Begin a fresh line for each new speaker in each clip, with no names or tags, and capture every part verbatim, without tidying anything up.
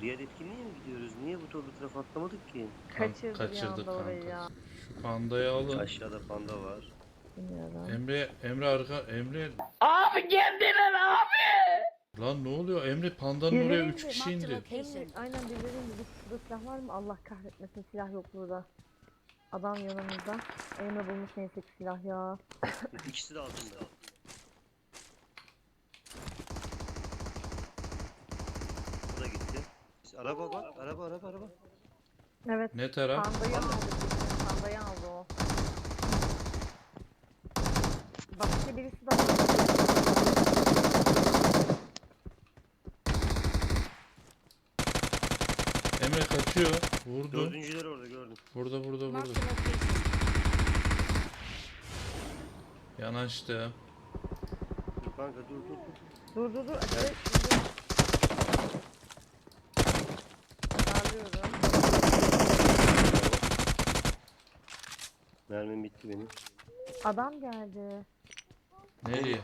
Diğer etkinliğe mi gidiyoruz? Niye bu torlu taraf atlamadık ki?
Kaçırdı bir
Kaçırdık
anda orayı
kanka.
ya.
Şu pandayı alın.
Aşağıda panda var.
Bilmiyorum.
Emre, Emre arka, Emre.
Abi geldiler abi.
Lan ne oluyor? Emre pandanın
Birileri
oraya
indi.
üç kişi
Marked a
indi.
location.
Emre, aynen birileri indi. Dur, şurada silah var mı? Allah kahretmesin, silah yok burada. Adam yanımızda. Emre bulmuş neyse ki silah ya.
İkisi de altında. Bu da gitti. Araba bak. Araba araba araba.
Evet.
Ne taraf?
Pandayı aldı. kesin, Pandayı aldı o. Başka birisi de aldı.
Emre kaçıyor. Vurdu.
Dördüncüler orada gördüm.
Burada burada
Marked
burada.
a location.
Yanaştı.
Dur kanka dur dur dur.
Dur dur dur. Acele Darlıyorum.
Mermim bitti benim.
Adam geldi.
Nereye?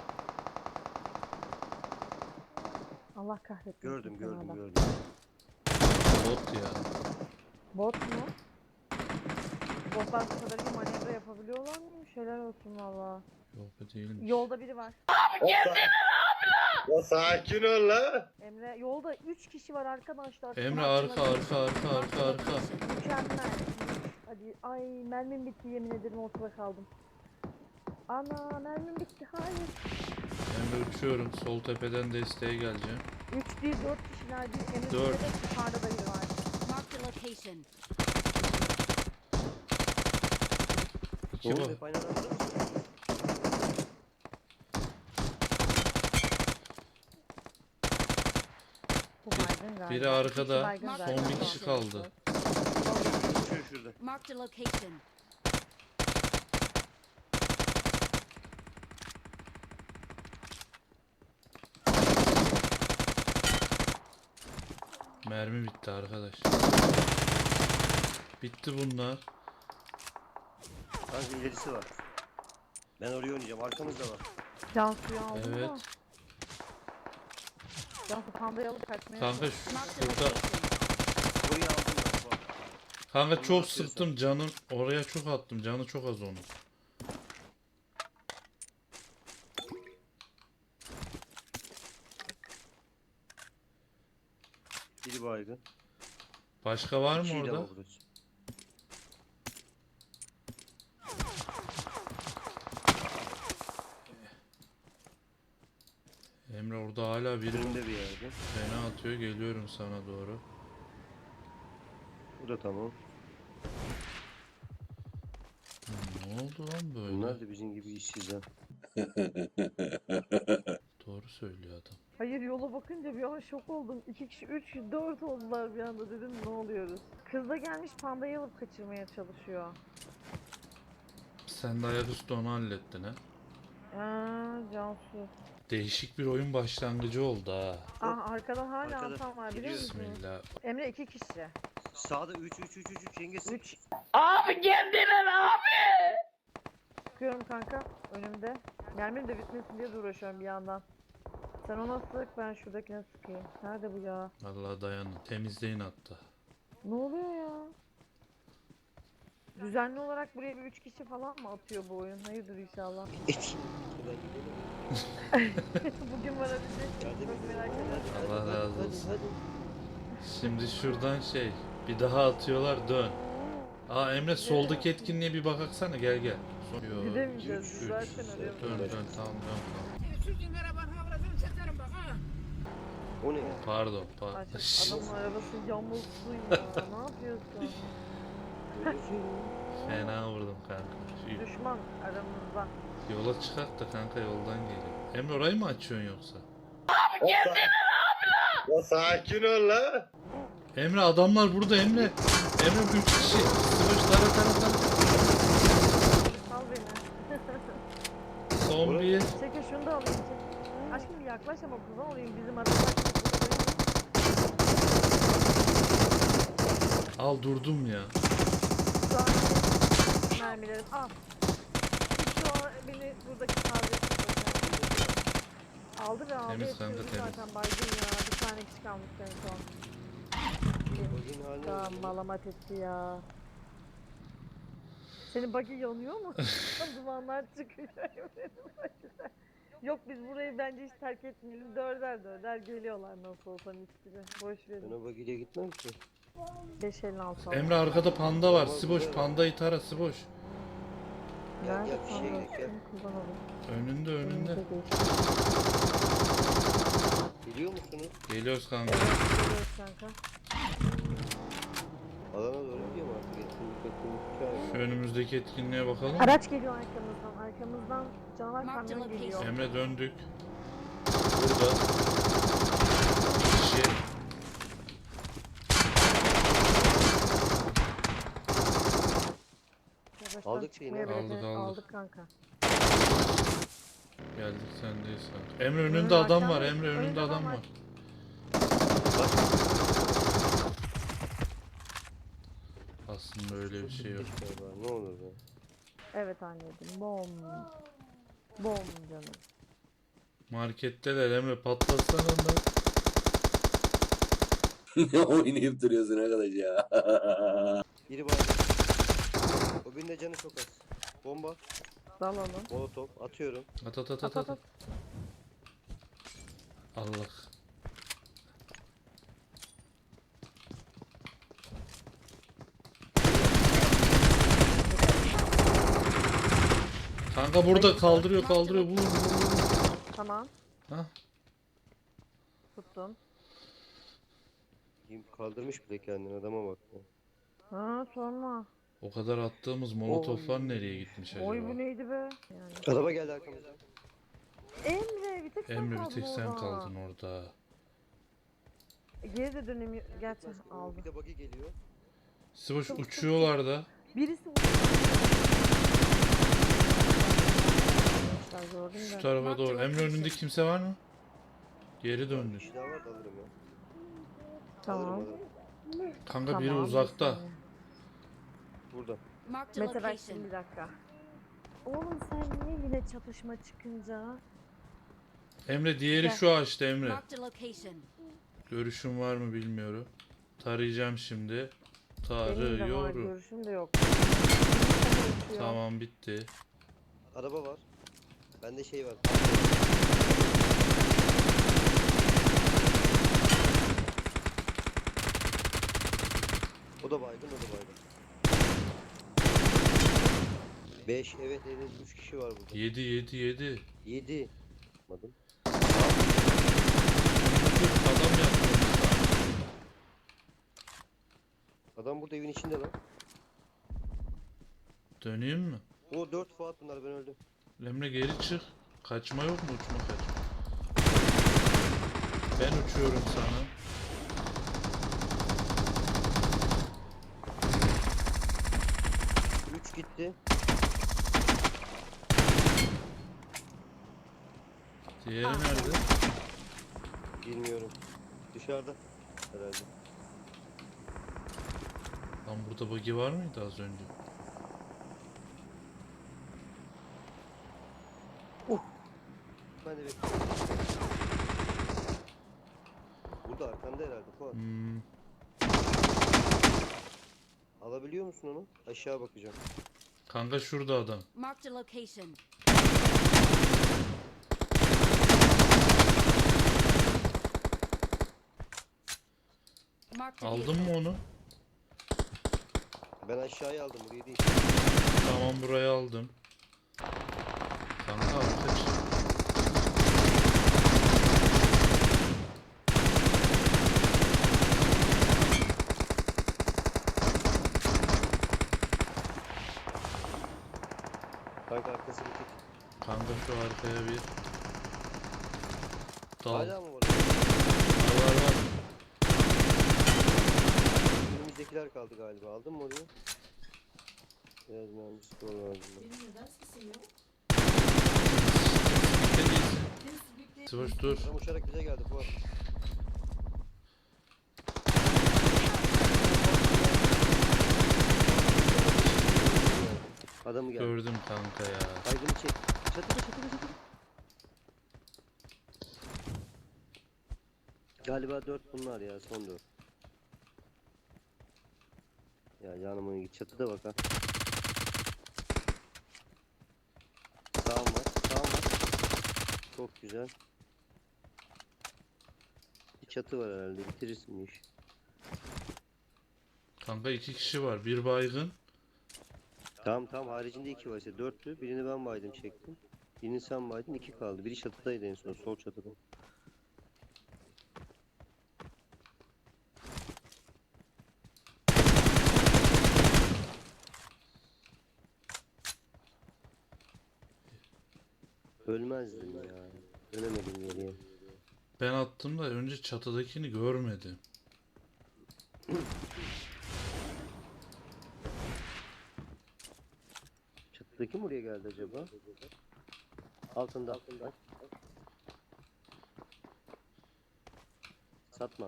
Allah kahretmesin.
Gördüm
seni
gördüm
adam.
gördüm.
Bot ya.
Bot mu? Botlar bu kadar iyi manevra yapabiliyorlar mı? Şeyler olsun valla.
Yok be değilmiş.
Yolda biri var.
Ya sakin ol la.
Emre yolda üç kişi var arkadaşlar.
Emre
Tamam,
arka
tamam.
arka arka arka arka.
Mükemmel. Hadi ay mermim bitti yemin ederim ortada kaldım. Ana mermim bitti hayır.
Emre uçuyorum. Sol tepeden desteğe geleceğim.
üç değil dört kişiler bir Emre
Dört.
de yukarıda da biri var.
Marked a location.
İki
Ne
bak.
oldu? Hep aynı adamda mısın?
Bu baygın galiba.
Biri arkada.
İki baygın
Son
galiba.
bir kişi
kaldı.
Uçuyor şurada.
Marked a location.
Mermi bitti arkadaş. Bitti bunlar.
Kanka ilerisi var. Ben oraya oynayacağım. Arkamızda var.
Cansu'yu aldım
Evet.
da. Cansu pandayı alıp kaçmaya
Kanka
çalışıyor.
şu-
Marked a
şurada.
location.
Burayı aldım ben. Bak.
Kanka
Onu
çok
atıyorsan.
sıktım canım. Oraya çok attım. Canı çok az onun.
Biri baygın.
Başka var mı
İkiyi de
orada?
vururuz.
Emre orada hala biri
Önümde bir yerde.
fena atıyor. Geliyorum sana doğru.
Bu da tamam.
Ne oldu lan böyle?
Bunlar da bizim gibi işsiz ha.
Doğru söylüyor adam.
Hayır yola bakınca bir an şok oldum. İki kişi, üç, dört oldular bir anda dedim ne oluyoruz. Kız da gelmiş pandayı alıp kaçırmaya çalışıyor.
Sen de ayaküstü onu hallettin ha.
Aa Cansu.
Değişik bir oyun başlangıcı oldu ha.
Ah arkadan hala
Arkada.
Hasan var biliyor
Gidiyor.
musun?
Bismillah.
Emre iki kişi.
Sağda üç üç üç üç üç yengesi.
Üç.
Abi geldiler abi.
Sıkıyorum kanka önümde. Mermim de bitmesin diye de uğraşıyorum bir yandan. Sen ona sık ben şuradakine sıkayım. Nerede bu ya?
Vallahi dayanın. Temizleyin hatta.
Ne oluyor ya? Düzenli olarak buraya bir üç kişi falan mı atıyor bu oyun? Hayırdır inşallah. Bugün varabilecek miyim? Çok merak ediyorum.
Allah razı olsun. Şimdi şuradan şey. Bir daha atıyorlar dön. Aa Emre soldaki etkinliğe bir bakaksana gel gel. Son- Yo,
Gidemeyeceğiz
üç,
biz
üç.
zaten oraya.
Dön dön tamam dön tamam.
Sizin arabanın havradını çekerim bak ha.
O ne ya?
Pardon
Ay,
pardon.
adamın arabası yamulsun ya. Ne yapıyorsun?
Fena vurdum kanka. Şu
Düşman aramızda.
yola çıkart da kanka yoldan geliyor. Emre orayı mı açıyorsun yoksa?
Ya sakin ol la.
Emre adamlar burada Emre. Emre üç kişi. Sıvış tara tara tara.
Al beni.
Son bir.
Çekil şunu da alayım. Çek. Aşkım bir yaklaş ama kurban olayım bizim aramızda.
Al durdum ya.
Mermilerim al. Şu an beni buradaki taze aldı ve aldı.
Temiz
Hepsini
kanka, temiz.
zaten baygın ya. Bir tane kişi kalmış en son. dakika malamat etti ya. Senin buggy yanıyor mu? Dumanlar çıkıyor. Yok biz burayı bence hiç terk etmeyelim. Dörder dörder geliyorlar nasıl olsa mis gibi. Boş verin.
Ben o bagiyle gitmem ki.
beş elli altı al.
Emre arkada panda var.
Tamam,
Siboş
güzel.
pandayı tara Siboş.
Gel
Nerede
gel bir şeye
kaldı?
gel gel.
Şunu kullanalım.
Önünde önünde.
Önümüzde değil.
Geliyor musunuz?
Geliyoruz kanka.
Evet geliyoruz kanka.
Alana doğru gidiyor mu artık? Etkinlik etkinlik
Şu
hikaye.
önümüzdeki etkinliğe bakalım.
Araç geliyor arkamızdan. Arkamızdan canavar
Marked
kamyon
location.
geliyor.
Emre döndük. Burada. Kişi.
Yavaştan
Aldık şeyini.
çıkmaya bile
Aldık,
de-
aldık.
aldık kanka.
Geldik sendeyiz kanka. Emre önünde
Önünde
adam var.
arkanda-
Emre önünde
önünde
adam
adam var.
var. Aslında öyle bir şey yok.
Galiba, ne olur be.
Evet anneciğim. Bom. Bom canım.
Marketteler Emre patlatsana da.
Ne oynayıp duruyorsun arkadaş ya?
Biri var. O birinde canı çok az. Bomba,
Dalalım.
molotof atıyorum.
At at at
At
at
at
at.
at.
Allah. Kanka burada kaldırıyor kaldırıyor. Vur vur vur.
Tamam.
Hah.
Tuttum.
Kim kaldırmış bile kendini, adama bak ya.
Ha sorma.
O kadar attığımız molotoflar nereye gitmiş
Oy bu
acaba?
neydi be? Yani.
Araba geldi arkamızdan.
Emre bir tek sen
Emre bir
kaldın
tek sen
orada.
kaldın orada.
Geri de dönemiyor. Gerçi
Oo,
aldı.
Bir de buggy geliyor.
Siboş uçuyorlar da.
Birisi vurdu. Arkadaşlar gördüm
Şu
de.
tarafa doğru. Emre önünde kimse var mı? Geri
Bir
döndü.
kişi daha var da alırım ya.
Tamam.
Alırım alırım.
Kanka biri
Tamam,
uzakta.
bir saniye.
Burada.
Marked a
Mete bak
location.
şimdi bir dakika. Oğlum sen niye yine çatışma çıkınca?
Emre diğeri
Gel.
şu ağaçta Emre.
Marked a location.
Görüşün var mı bilmiyorum. Tarayacağım şimdi.
Benim de var
Tarıyorum.
görüşüm de yok.
Tamam bitti.
Araba var. Bende şey var. O da baygın, o da baygın. beş, evet evet üç kişi var burada.
Yedi yedi yedi.
yedi. Yapmadım.
Adam yaptı.
Adam burada evin içinde lan.
Döneyim mi?
O dört Fuat bunlar, ben öldüm.
Emre geri çık. Kaçma yok mu? Uçma kaçma. Ben uçuyorum sana.
üç gitti.
Diğeri nerede?
Bilmiyorum. Dışarıda herhalde.
Lan burada buggy var mıydı az önce?
Ben de bekliyorum. Burada arkanda herhalde Fuat.
Hmm.
Alabiliyor musun onu? Aşağı bakacağım.
Kanka şurada adam.
Marked a location. Marked a
Aldın
vehicle.
mı onu?
Ben aşağıya aldım, burayı değil.
Tamam burayı aldım. Kanka ateş.
Kanka arkası bitik.
Kanka şu arkaya bir dal.
Hala mı var?
Var var var.
Önümüzdekiler kaldı galiba. Aldın mı orayı? Biraz mühendislik lazım.
Bitti değilsin. Sıvış dur.
Adam uçarak bize geldi Fuat. Adamı geldi.
Gördüm kanka ya.
Aydın'ı çek. Çatıda çatıda çatıda. Galiba dört bunlar ya, son dört. Ya yanıma git çatıda bak ha. Sağım var, sağım var. Çok güzel. Bir çatı var herhalde, bitirirsin bu işi.
Kanka iki kişi var. Bir baygın.
Tamam tamam, haricinde iki var işte, dörtlü. Birini ben baydım çektim. Birini sen baydın, iki kaldı. Biri çatıdaydı en son, sol çatıda. Ölmezdim ya. Ölemedim geriye.
Ben attım da önce çatıdakini görmedim.
Çatıdaki mi oraya geldi acaba? Altında. Bak. Satma.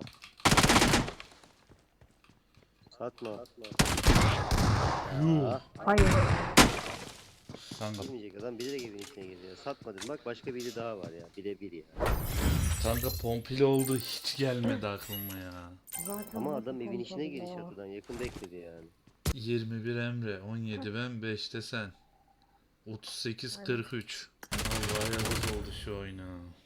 Satma.
Yuh.
Aa,
Hayır.
Kanka,
girmeyecek adam biri de evin içine giriyor. Satmadım bak, başka biri daha var ya. Bire bir ya.
kanka pompili oldu, hiç gelmedi aklıma ya.
Zaten
Ama
nasıl
adam evin içine
pompalı
giriş
ya?
çatıdan. Yakın bekledi yani.
yirmi bir Emre, on yedi ben, beşte sen. otuz sekiz
Aynen.
kırk üç. Vallahi yazık oldu şu oyuna.